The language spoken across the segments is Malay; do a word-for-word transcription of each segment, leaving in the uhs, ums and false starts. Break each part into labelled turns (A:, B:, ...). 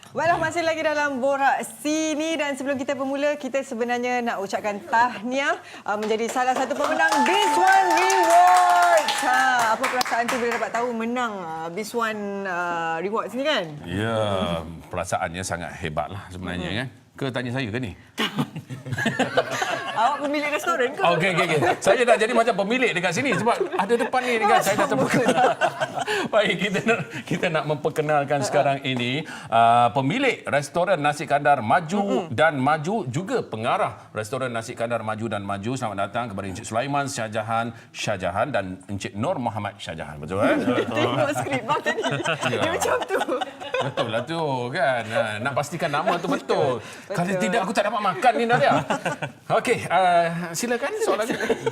A: Baiklah, masih lagi dalam Borak Sini dan sebelum kita bermula, kita sebenarnya nak ucapkan tahniah uh, menjadi salah satu pemenang Biz One Rewards. Ha, apa perasaan tu bila dapat tahu menang uh, Biz One uh, Rewards ni kan?
B: Ya, perasaannya sangat hebatlah sebenarnya hmm. kan. Ke tanya saya ke ni?
A: Awak pemilik restoran ke?
B: Okey, okey, okey. Saya dah jadi macam pemilik dekat sini sebab ada depan ni kan. Saya dah terbuka. Baik, kita nak, kita nak memperkenalkan sekarang ini uh, pemilik restoran Nasi Kandar Maju mm-hmm. dan Maju, juga pengarah restoran Nasi Kandar Maju dan Maju. Selamat datang kepada Encik Sulaiman Shahjahan Shahjahan dan Encik Nur Muhammad Shahjahan. Betul eh?
A: Tengok skrip bang tadi. Dia macam tu.
B: Betul lah tu kan. Nak pastikan nama tu betul. betul. Kalau tidak aku tak dapat makan ni Nadia. Okey, uh, silakan soalan.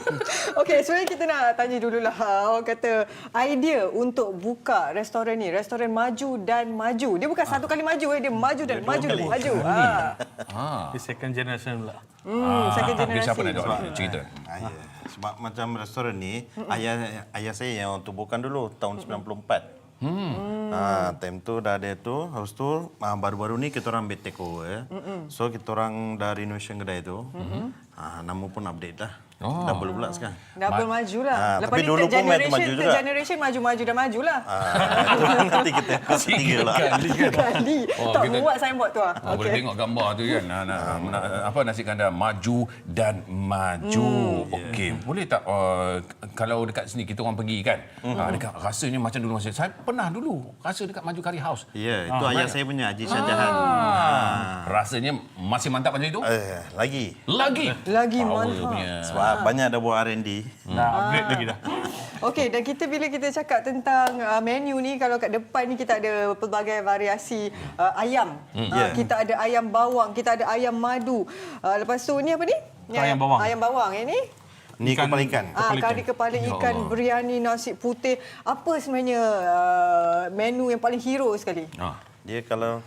A: Okey, sebenarnya kita nak tanya dululah. Awak kata idea untuk buka restoran ni, restoran Maju dan Maju. Dia bukan ah. satu kali maju, eh. dia maju dan dia maju dan maju. Ah.
C: Ah. Dia second generation pula.
A: Hmm, ah. second generation.
B: Siapa nak jawab cerita?
D: Ah, ya. Sebab macam restoran ni, mm-mm. ayah ayah saya yang tubuhkan dulu tahun sembilan puluh empat. Hmm. Ah, time tu dah ada tu, habis tu ah, baru-baru ni kita orang ambil take over. Mm-mm. So kita orang dah renovation kedai tu. Mm-hmm. Ah, nama pun update dah. Oh. Double pula sekarang.
A: Double Ma- maju lah.
D: Ah,
A: Lepas
D: tapi
A: ni
D: dulu pun main maju juga.
A: generation maju-maju dah maju lah.
D: Ah, nanti kita tiga lah.
B: Kali kan.
A: Kali.
B: Oh,
A: tak
B: kita,
A: buat signboard tu ah.
B: Oh, okay. Boleh tengok gambar tu kan. Nah, nah, nah, apa Nasi Kandar Maju dan Maju. Hmm. Okey, yeah. Boleh tak uh, kalau dekat sini kita orang pergi kan. Hmm. Uh, dekat rasanya macam dulu masa saya pernah dulu rasa dekat Maju Curry House.
D: Ya, yeah, itu ah, ayah saya punya Haji Shahjahan.
B: Ah. Ah. Rasanya masih mantap macam itu?
D: Eh, lagi.
B: Lagi.
A: Lagi
B: Power
A: mantap.
D: Punya. Sebab ah. banyak dah buat R and D.
C: Dah upgrade lagi dah.
A: Okey, dan kita bila kita cakap tentang uh, menu ni, kalau kat depan ni kita ada pelbagai variasi uh, ayam. Mm. Uh, yeah. Kita ada ayam bawang, kita ada ayam madu. Uh, lepas tu ni apa ni?
C: Ayam, ayam bawang.
A: Ayam bawang. Yang ni?
D: Ni ikan, kepala ikan.
A: Ah, kari kepala ikan, oh. biryani, nasi putih. Apa sebenarnya uh, menu yang paling hero sekali?
D: Ah. Dia kalau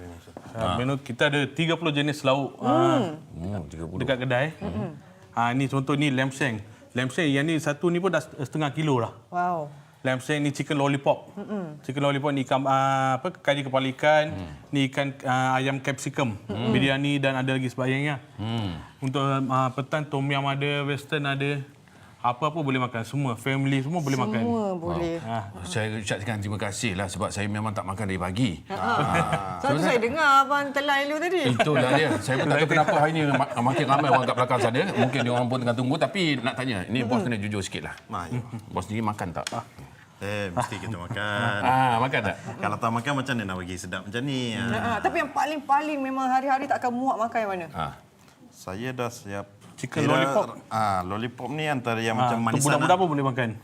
C: ah. menu kita ada tiga puluh jenis lauk ah,
B: hmm. tiga puluh.
C: dekat kedai. Hmm. Ah, ni contoh ni lamb shank. Lamb shank yang ni satu ni pun dah setengah kilo lah.
A: Wow.
C: Lamb shank ni chicken lollipop. Mm-mm. Chicken lollipop ni ikan uh, apa kari kepala ikan, mm. ni ikan uh, ayam capsicum, mm. biryani dan ada lagi sebagainya. Mm. Untuk uh, petang tom yum ada, western ada. Apa-apa boleh makan, semua family semua boleh
A: semua
C: makan.
A: Semua boleh.
B: Ha. Saya ucapkan terima kasih lah sebab saya memang tak makan dari pagi.
A: Ha. Ha. Sebab tu saya dengar abang telan dulu tadi.
B: Itulah dia. Saya pun tak tahu kenapa hari ini makin ramai orang kat belakang sana. Mungkin dia orang pun tengah tunggu tapi nak tanya, ini bos kena jujur sikitlah. Bos ni makan tak?
D: Eh, mesti kita makan.
B: Ah, makan tak?
D: Kalau tak makan macam mana nak bagi sedap macam ni?
A: Ha. Tapi yang paling-paling memang hari-hari tak akan muak makan yang mana?
B: Ha.
D: Saya dah siap.
C: Chicken lollipop.
D: Ah, lollipop ni antara yang
C: Ah,
D: macam manisan.
C: Budak-budak pun boleh makan.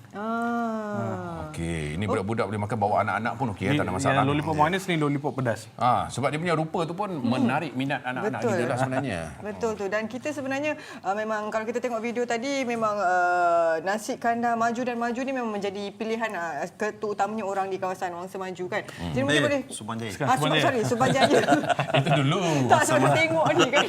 A: Ah.
B: Okey, ini budak-budak boleh makan, bawa anak-anak pun okey, tak ada masalah.
C: Yang lollipop manis ni lollipop pedas.
B: Ah, sebab dia punya rupa tu pun hmm. menarik minat anak-anak kita lah sebenarnya.
A: Betul tu. Dan kita sebenarnya uh, memang kalau kita tengok video tadi memang uh, Nasi Kandar Maju dan Maju ni memang menjadi pilihan uh, terutamanya orang di kawasan Wangsa Maju kan. Hmm. Jadi mungkin
D: eh,
A: boleh
D: Subanjaya.
A: Ah, Suban, sorry, Subanjaya.
B: Itu dulu.
A: Tak sebab tengok ni kan.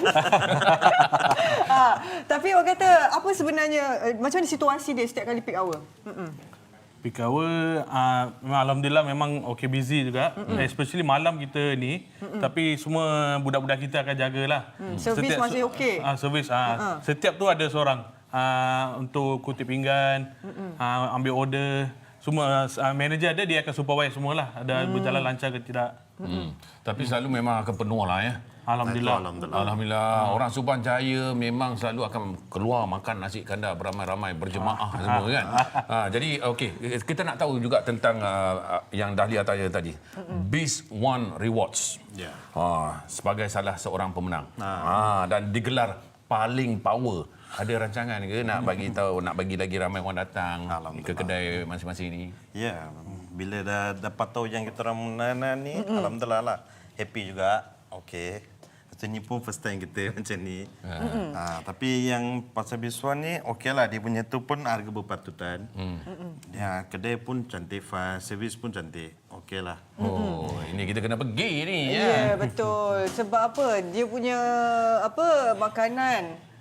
A: ha, tapi orang kata apa sebenarnya uh, macam mana situasi dia setiap kali peak hour? Mm-mm.
C: Peak hour, uh, alhamdulillah memang okey busy juga. Mm-mm. Especially malam kita ni. Mm-mm. Tapi semua budak-budak kita akan jagalah.
A: Mm. Servis masih okey.
C: Ah, uh, servis. Uh, uh-huh. Setiap tu ada seorang uh, untuk kutip pinggan, uh, ambil order. Semua uh, manager ada, dia akan supervise semualah. Ada mm. berjalan lancar ke tidak.
B: Mm. Tapi selalu memang akan penuh lah ya.
C: Alhamdulillah.
B: Alhamdulillah. Alhamdulillah. Hmm. Orang Subanjaya memang selalu akan keluar makan nasi kandar beramai-ramai berjemaah ah. semua kan. ha, jadi okey, kita nak tahu juga tentang uh, yang Dahlia tanya tadi. Biz One Rewards. Yeah. Ha, sebagai salah seorang pemenang. Ah. Ha, dan digelar paling power. Ada rancangan ke nak bagi tahu, nak bagi lagi ramai orang datang ke kedai masing-masing ni?
D: Ya, yeah. Bila dah dapat tahu yang kita orang menang ni, mm-hmm. alhamdulillah lah. Happy juga. Okey. Ni pun first time kita macam ni. Mm-hmm. Ha, tapi yang pasal Biz One ni, okeylah dia punya tu pun harga berpatutan. Mm. Ya, kedai pun cantik, fast, servis pun cantik. Okeylah.
B: Oh, mm-hmm. ini kita kena pergi ni
A: ya. Ya, yeah, betul. Sebab apa? Dia punya apa makanan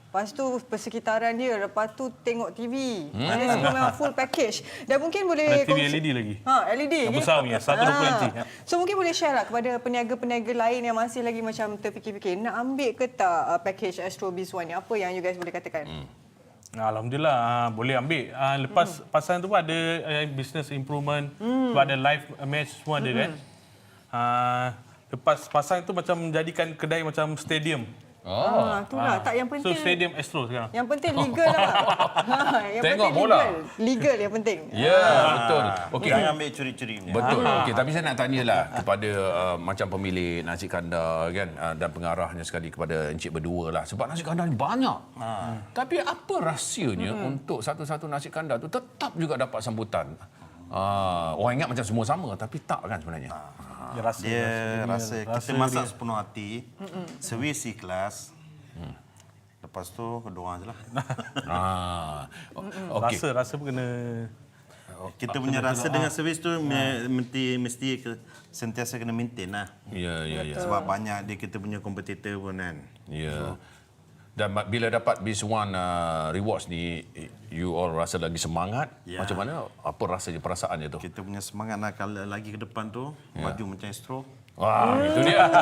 A: Lepas tu persekitaran dia, lepas tu tengok T V. Hmm. Dia semua memang full package. Dan mungkin boleh...
C: Ada T V L E D lagi.
A: Ha, L E D.
C: Yang besar punya, seratus dua puluh inci.
A: So mungkin boleh share lah kepada peniaga-peniaga lain yang masih lagi macam terfikir-fikir, nak ambil ke tak uh, package Astro Biz One ni? Apa yang you guys boleh katakan? Hmm.
C: Alhamdulillah, uh, boleh ambil. Uh, lepas hmm. pasangan tu pun ada uh, business improvement, hmm. sebab ada live match semua ada hmm. kan. Uh, lepas pasangan tu macam menjadikan kedai macam stadium.
A: Oh, ah, itulah. Tak, yang penting.
C: So stadium Astro sekarang.
A: Yang penting legal lah. ha, yang
B: Tengok
A: penting
B: bola.
A: Legal. legal yang penting.
B: Ya, yeah, betul.
D: Okey, jangan ambil curi-curi punya.
B: Betul. Okey, tapi saya nak tanyalah kepada uh, macam pemilik nasi kandar kan uh, dan pengarahnya sekali kepada encik berdua lah. Sebab nasi kandar ni banyak. Ha. Tapi apa rahsianya hmm. untuk satu-satu nasi kandar tu tetap juga dapat sambutan? Uh, orang ingat macam semua sama tapi tak kan sebenarnya. Ha.
D: Dia rasa, dia rasa, rasa kita masak dia. sepenuh hati, servis ikhlas. Hmm. Lepas tu kedua je lah.
B: ah. Okay.
C: Rasa, rasa pun kena...
D: Kita punya rasa dengan servis tu mesti mesti sentiasa kena maintain lah.
B: Ya, ya, ya.
D: Sebab banyak dia kita punya kompetitor pun kan.
B: Ya. Dan bila dapat Biz One uh, rewards ni, you all rasa lagi semangat? Ya. Macam mana? Apa rasanya, perasaannya tu?
D: Kita punya semangat lah kalau lagi ke depan tu, ya. maju macam Astro.
B: Wah, hmm. itu dia.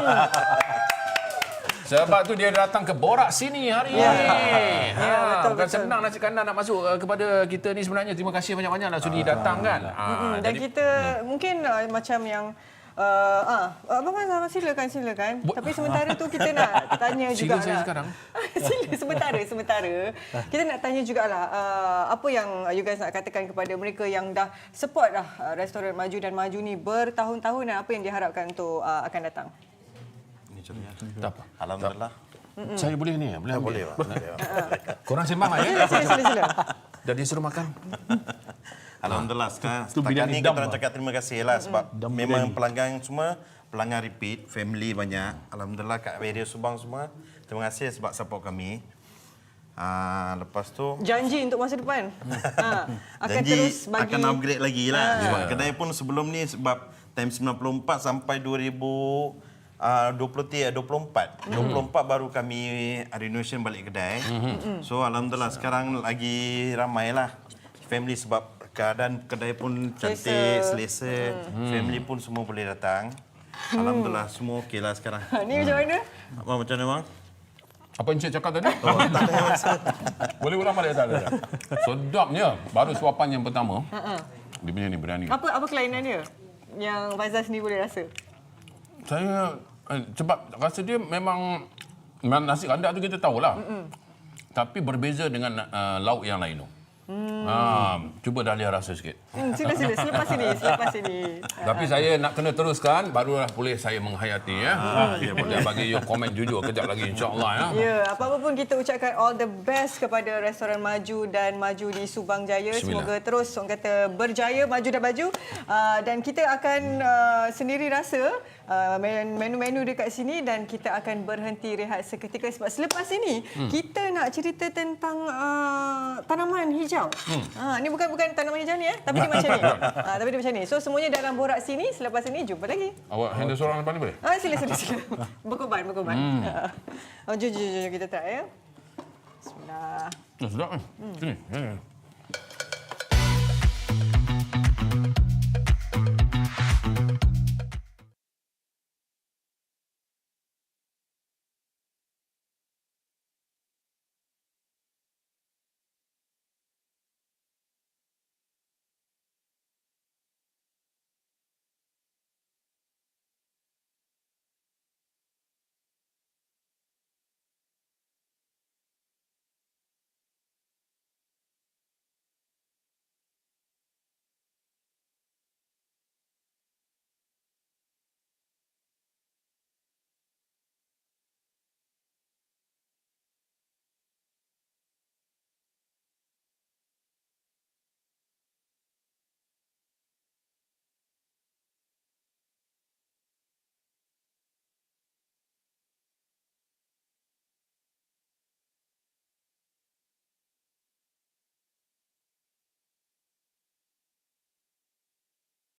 B: Sebab tu dia datang ke Borak Sini hari ini. Ya, ha,
A: ya, betul,
B: bukan
A: betul.
B: senang nasi kandar nak masuk uh, kepada kita ni sebenarnya. Terima kasih banyak-banyak nak sudi datang kan.
A: Ha, dan jadi, kita hmm. mungkin uh, macam yang Uh, ah, Abang Azhar, silakan, silakan. Bo- Tapi sementara tu kita nak tanya juga
B: lah. Sila saya sekarang.
A: Sila, sementara, sementara. Kita nak tanya jugalah uh, apa yang you guys nak katakan kepada mereka yang dah support dah uh, restoran Maju dan Maju ni bertahun-tahun dan apa yang diharapkan untuk uh, akan datang.
D: Ini contohnya.
B: Tak apa.
D: Alhamdulillah.
B: Mm-mm. Saya boleh ni? Boleh,
D: boleh. boleh.
B: Korang sembang lah ya?
A: Sila, sila, sila.
B: Dah disuruh makan?
D: Alhamdulillah sekarang setakat ni kita nak cakap terima kasih lah sebab mm-hmm. memang pelanggan semua pelanggan repeat, family banyak. Alhamdulillah kat Radio Subang semua. Terima kasih sebab support kami. Uh, lepas tu
A: janji untuk masa depan. ha, akan
D: janji
A: terus bagi
D: akan upgrade lagi lah.
A: Ha.
D: Sebab kedai pun sebelum ni sebab time sembilan puluh empat sampai dua ribu dua puluh tiga, dua puluh empat. Mm-hmm. dua puluh empat baru kami renovation balik kedai. Mm-hmm. So alhamdulillah sekarang lagi ramai lah family sebab keadaan kedai pun cantik, selesa. Hmm. Family pun semua boleh datang. Alhamdulillah, semua okey lah sekarang.
A: Ni macam mana?
D: Abang, macam mana, bang?
B: Apa Encik cakap tadi?
D: Oh, tak ada masa.
B: Boleh ulang balik tak ada? Sedapnya. Baru suapan yang pertama. Dia punya ni, berani.
A: Apa apa kelainan dia? Yang Faizal sendiri boleh rasa?
B: Saya, eh, sebab rasa dia memang, memang nasi kandar tu kita tahulah. Mm-mm. Tapi berbeza dengan uh, lauk yang lain tu. Hmm. Ha, cuba Dahlia rasa sikit.
A: Hmm, sila sila selepas ini, selepas ini.
B: Tapi saya nak kena teruskan barulah boleh saya menghayati ya. Ha, ya boleh bagi you komen jujur kejap lagi insya-Allah ya.
A: Ya, apa-apa pun kita ucapkan all the best kepada restoran Maju dan Maju di Subang Jaya. Semoga terus orang kata berjaya, maju dan maju. Uh, dan kita akan uh, sendiri rasa uh, menu-menu dekat sini dan kita akan berhenti rehat seketika sebab selepas ini hmm. kita nak cerita tentang uh, tanaman hijau. Hmm. Ha, ni bukan bukan tanaman hijau ni eh, tapi dia macam ni. Ha, tapi dia macam ni. So semuanya dalam Borak Sini. Selepas ini jumpa lagi.
B: Awak handle seorang depan ni boleh?
A: Ah, sila sila sila. Berkorban, berkorban. Hmm. Oh, jom jom jom kita try ya. Bismillah.
B: Oh, sedap kan? Hmm. Sini. Ya, ya.